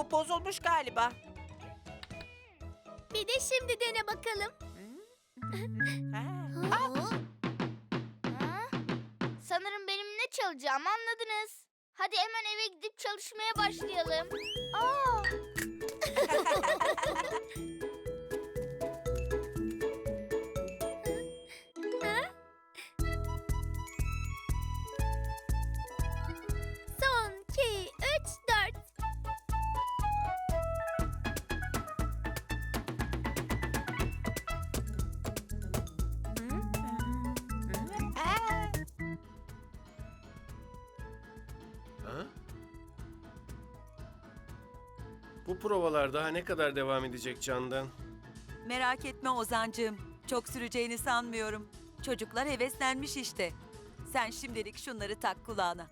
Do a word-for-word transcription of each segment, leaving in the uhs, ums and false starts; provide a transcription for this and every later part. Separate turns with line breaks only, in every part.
Bu bozulmuş galiba.
Bir de şimdi dene bakalım.
Ha.
Ha?
Ha? Sanırım benim ne çalacağımı anladınız. Hadi hemen eve gidip çalışmaya başlayalım. Aa!
Son, iki, üç, dört.
Ha? Bu provalar daha ne kadar devam edecek Candan?
Merak etme Ozancığım. Çok süreceğini sanmıyorum. Çocuklar heveslenmiş işte. Sen şimdilik şunları tak kulağına.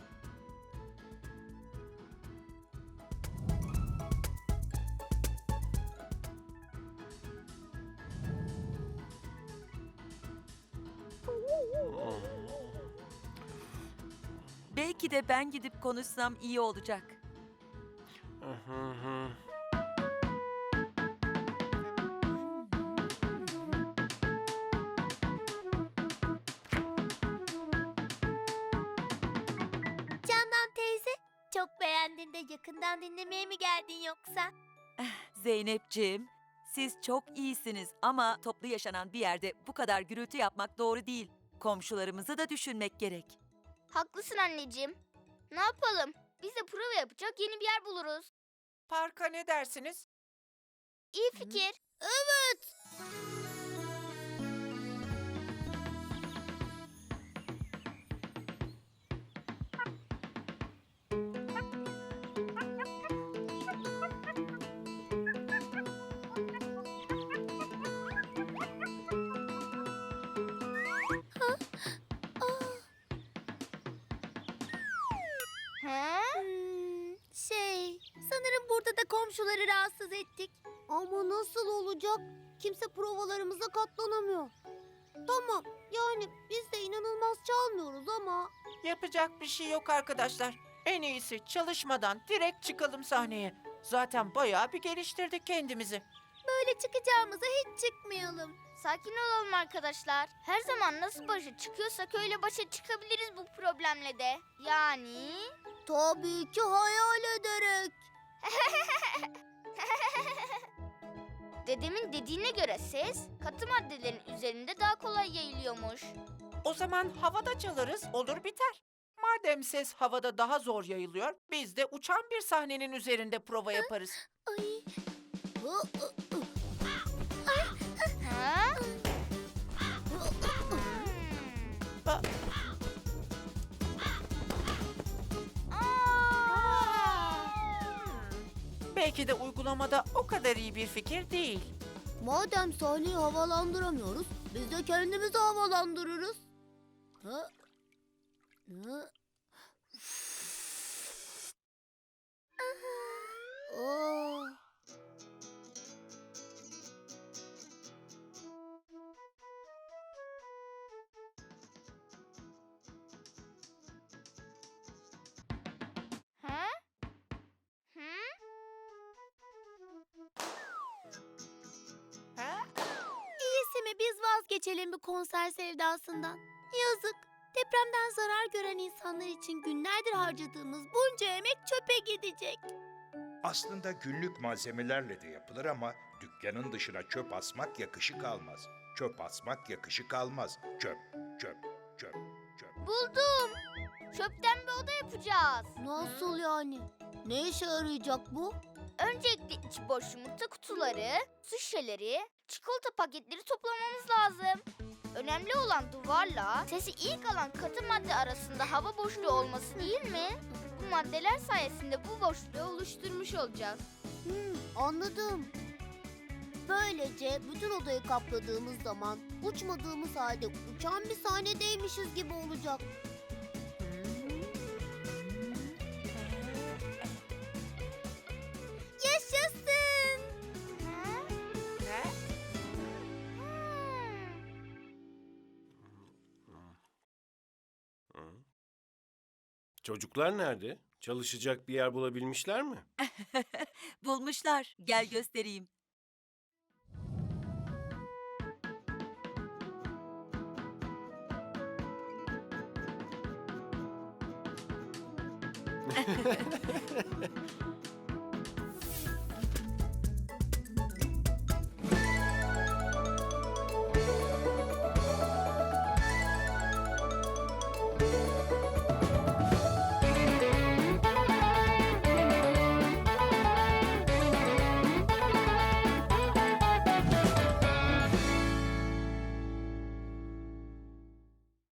Belki de ben gidip konuşsam iyi olacak.
Hı hı hı.
Candan teyze, çok beğendin de yakından dinlemeye mi geldin yoksa?
Zeynepciğim, siz çok iyisiniz ama toplu yaşanan bir yerde bu kadar gürültü yapmak doğru değil. Komşularımızı da düşünmek gerek.
Haklısın anneciğim. Ne yapalım? Biz de prova yapacak yeni bir yer buluruz.
Parka ne dersiniz?
İyi fikir.
Evet.
Ha?
Hmm, şey, sanırım burada da komşuları rahatsız ettik. Ama nasıl olacak? Kimse provalarımıza katlanamıyor. Tamam, yani biz de inanılmaz çalmıyoruz ama...
Yapacak bir şey yok arkadaşlar. En iyisi çalışmadan direkt çıkalım sahneye. Zaten bayağı bir geliştirdik kendimizi.
Böyle çıkacağımıza hiç çıkmayalım.
Sakin olalım arkadaşlar. Her zaman nasıl başa çıkıyorsak öyle başa çıkabiliriz bu problemle de. Yani...
Tabii ki hayal ederek.
Dedemin dediğine göre ses katı maddelerin üzerinde daha kolay yayılıyormuş.
O zaman havada çalarız, olur biter. Madem ses havada daha zor yayılıyor, biz de uçan bir sahnenin üzerinde prova yaparız.
Ay. Hı, hı, hı.
Ha?
Aa, belki de uygulamada o kadar iyi bir fikir değil.
Madem sahneyi havalandıramıyoruz, biz de kendimizi havalandırırız. Ha? Ha? Aa.
Ha? Hı?
Ha?
İyisi mi biz vazgeçelim bu konser sevdasından. Yazık. Depremden zarar gören insanlar için günlerdir harcadığımız bunca emek çöpe gidecek.
Aslında günlük malzemelerle de yapılır ama dükkanın dışına çöp asmak yakışık almaz. Çöp asmak yakışık almaz. Çöp, çöp, çöp, çöp.
Buldum. Çöpten bir oda yapacağız.
Nasıl yani? Ne işe yarayacak bu?
Öncelikle içi boş yumurta kutuları, su şişeleri, çikolata paketleri toplamamız lazım. Önemli olan duvarla sesi ilk alan katı madde arasında hava boşluğu olması değil mi? Bu maddeler sayesinde bu boşluğu oluşturmuş olacağız.
Hmm, anladım. Böylece bütün odayı kapladığımız zaman uçmadığımız halde uçan bir sahnedeymişiz gibi olacak. Yaşasın!
Ha?
Çocuklar nerede? Çalışacak bir yer bulabilmişler mi?
Bulmuşlar. Gel göstereyim.